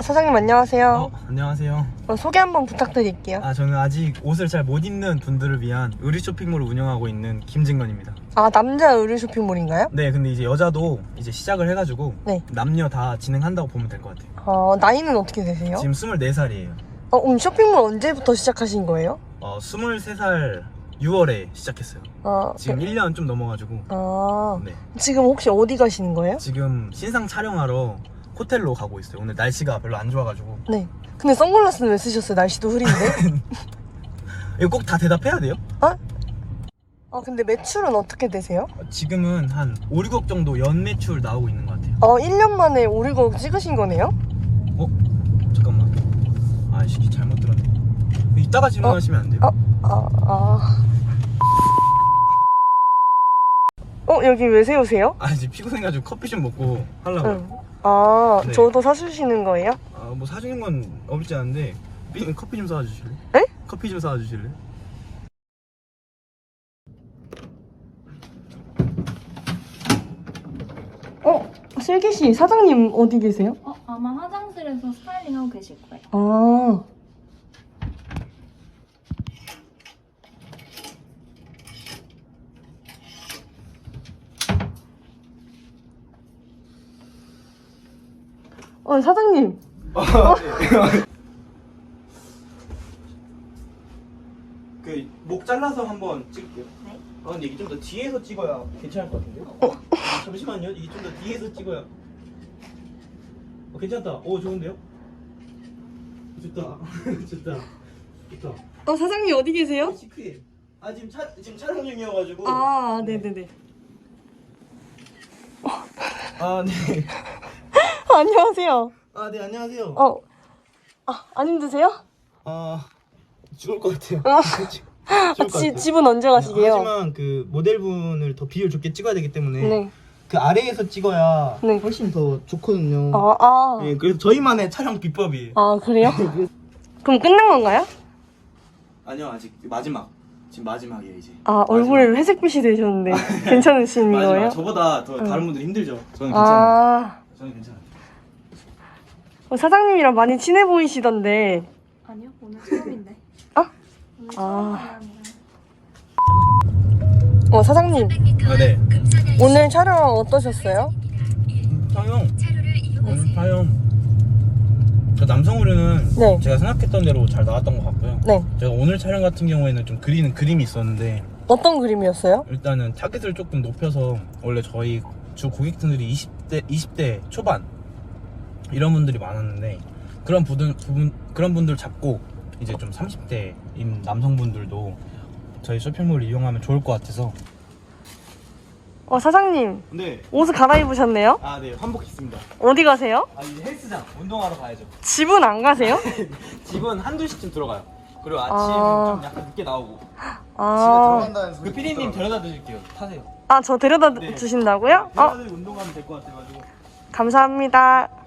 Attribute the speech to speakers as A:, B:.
A: 사장님 안녕하세요.
B: 안녕하세요.
A: 소개 한번 부탁드릴게요.
B: 저는 아직 옷을 잘 못 입는 분들을 위한 의류 쇼핑몰을 운영하고 있는 김진건입니다.
A: 남자 의류 쇼핑몰인가요?
B: 네, 근데 이제 여자도 이제 시작을 해가지고
A: 네.
B: 남녀 다 진행한다고 보면 될 것 같아요.
A: 나이는 어떻게 되세요?
B: 지금 24살이에요.
A: 그럼 쇼핑몰 언제부터 시작하신 거예요?
B: 23살 6월에 시작했어요. 지금 1년 좀 넘어가지고. 네.
A: 지금 혹시 어디 가시는 거예요?
B: 지금 신상 촬영하러 호텔로 가고 있어요. 오늘 날씨가 별로 안 좋아가지고.
A: 네. 근데 선글라스는 왜 쓰셨어요? 날씨도 흐린데.
B: 이거 꼭 다 대답해야 돼요?
A: 근데 매출은 어떻게 되세요?
B: 지금은 한 5, 6억 정도 연매출 나오고 있는 것 같아요.
A: 1년 만에 5, 6억 찍으신 거네요?
B: 잠깐만. 시기 잘못 들었네. 이따가 질문하시면 안 돼요.
A: 여기 왜 세우세요?
B: 이제 피곤해가지고 커피 좀 먹고 하려고. 네.
A: 저도 사주시는 거예요?
B: 뭐 사주는 건 없지 않은데 커피 좀 사와 주실래?
A: 네?
B: 커피 좀 사와 주실래?
A: 슬기씨, 사장님 어디 계세요?
C: 아마 화장실에서 스타일링 하고 계실 거예요.
A: 사장님.
B: 목 잘라서 한번 찍을게요.
C: 네.
B: 근데 이게 좀 더 뒤에서 찍어야 괜찮을 것 같은데요? 잠시만요. 이게 좀 더 뒤에서 찍어야. 괜찮다. 좋은데요? 좋다. 좋다.
A: 사장님 어디 계세요?
B: 시크해. 지금 촬영 중이어가지고.
A: 네네네.
B: 네.
A: 안녕하세요.
B: 네, 안녕하세요.
A: 안 힘드세요?
B: 죽을 것 같아요.
A: 집은 언제 가시게요?
B: 하지만 그 모델분을 더 비율 좋게 찍어야 되기 때문에
A: 네.
B: 그 아래에서 찍어야
A: 네.
B: 훨씬 더 좋거든요. 네, 그래서 저희만의 촬영 비법이에요.
A: 그래요? 그럼 끝난 건가요?
B: 아니요, 아직 마지막. 지금 마지막이에요, 이제.
A: 얼굴 회색빛이 되셨는데 괜찮으신 거예요?
B: 저보다 더 다른 분들 힘들죠. 저는 괜찮아요. 저는 괜찮아요.
A: 사장님이랑 많이 친해 보이시던데.
C: 아니요, 오늘 처음인데. 오늘 처음이라니까요.
A: 사장님.
B: 네.
A: 오늘 촬영 어떠셨어요?
B: 촬영. 남성 의류는
A: 네.
B: 제가 생각했던 대로 잘 나왔던 것 같고요.
A: 네.
B: 제가 오늘 촬영 같은 경우에는 좀 그리는 그림이 있었는데
A: 어떤 그림이었어요?
B: 일단은 타겟을 조금 높여서 원래 저희 주 고객층들이 20대 초반 이런 분들이 많았는데 그런 분들 잡고 이제 좀 30대인 남성분들도 저희 쇼핑몰을 이용하면 좋을 것 같아서.
A: 사장님.
B: 네.
A: 옷을 갈아입으셨네요?
B: 네, 환복했습니다.
A: 어디 가세요?
B: 이제 헬스장 운동하러 가야죠.
A: 집은 안 가세요?
B: 집은 한두 시쯤 들어가요. 그리고 아침 좀 약간 늦게 나오고. 그 PD님 데려다 드릴게요. 타세요.
A: 저 데려다 주신다고요?
B: 데려다 드리고 운동하면 될 것 같아가지고.
A: 감사합니다.